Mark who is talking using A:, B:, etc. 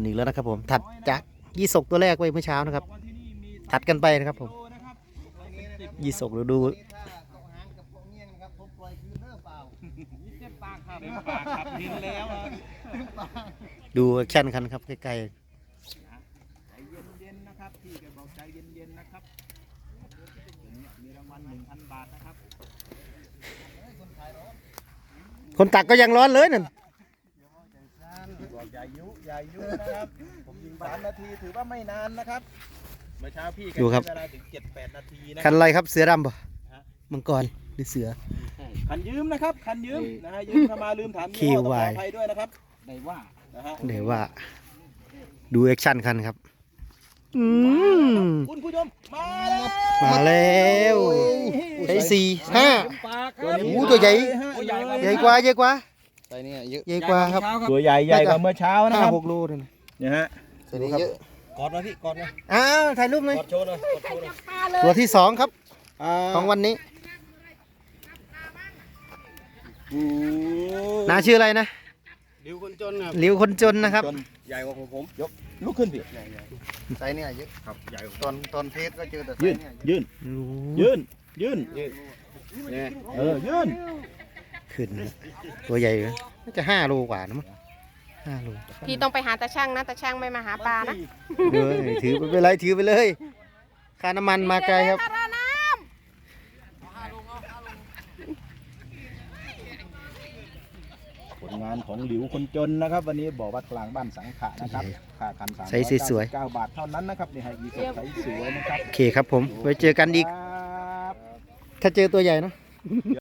A: อีกแล้วนะครับผมถัดจากยี่สกตัวแรกไปเมื่อเช้านะครับถัดกันไปนะครับผมยี่สกเราดูดูแอคชั่นกันครับใกล้ๆ
B: ใจเย็นๆนะครับพี่แกบอกใจเย็นๆนะครับมีรางวัล 1,000 บาทนะครับ
A: คนตักก็ยังร้อนเลยนั่น
B: บอกอย่ายุนะครับผมยิง3 นาทีถือว่าไม่นานนะครับเมื่อเช้าพี่แกใช้เวลาถึง 7-8 นาทีนะ
A: คันอะไรครับเสือดำป่ะมังกรหรือเสือ
B: คันยืมนะครับคันยืมนะฮะยืมเข้ามาลืมถามยี่ห้อต้องขออภัยด้วยนะครับได้ว่านะฮะ
A: เดี๋ยวว่าดูแอคชั่นกันครับ
B: คุณผู้ชมมาแล้ว
A: มาแล้วใช้4-5โอ้ตัวใหญ่ใหญ่กว่า
C: ใส่เนี่ยเยอะ
A: ใหญ่กว่าครับ
B: ตัวใหญ่กว่าเมื่อเช้านะครับ
A: 5-6 โลเลยนะ
B: เนี่ยฮะ
C: ใส่เนี่ยเยอะกอดนะพี่กอดนะ
A: อ้าวถ่ายรูปหน่อย
C: กอดโชว์หน่อยกอดโชว์หน่อย
A: ตัวที่2ครับของวันนี้น้าชื่ออะไรนะ
C: ดิวคนจนครับ
A: หลิวคนจนนะครับ
C: ใหญ่กว่าผม
B: ยกลุกขึ้นพี่
C: ใส่เนี่ยเยอะครับใหญ่กว่าตอนเพชรก็เจอแต่
B: ยืน
C: เนี่ย
B: ยืนยืน
C: เนี่ย
B: ยืน
A: ขึ้นนะตัวใหญ่เลยน่าจะ5 โลกว่านะมั้ง5 โล
D: พี่ต้องไปหาตาช่างนะตาช่างไม่มาหาปลานะ
A: เดี๋ยวถือไปเลยถือไปเลยค่าน้ำมันมาไกลครับ
B: ผลงานของหลิวคนจนนะครับ วันนี้บอกวัดกลางบ้านสังขะนะครับค่าคัน
A: ใส่สวย
B: 9 บาทเท่านั้นนะครับนี่ให้ยีสดใสสวยนะครับ
A: โอเคครับผมไว้เจอกันอีก
B: ครับ
A: ถ้าเจอตัวใหญ่เนอะ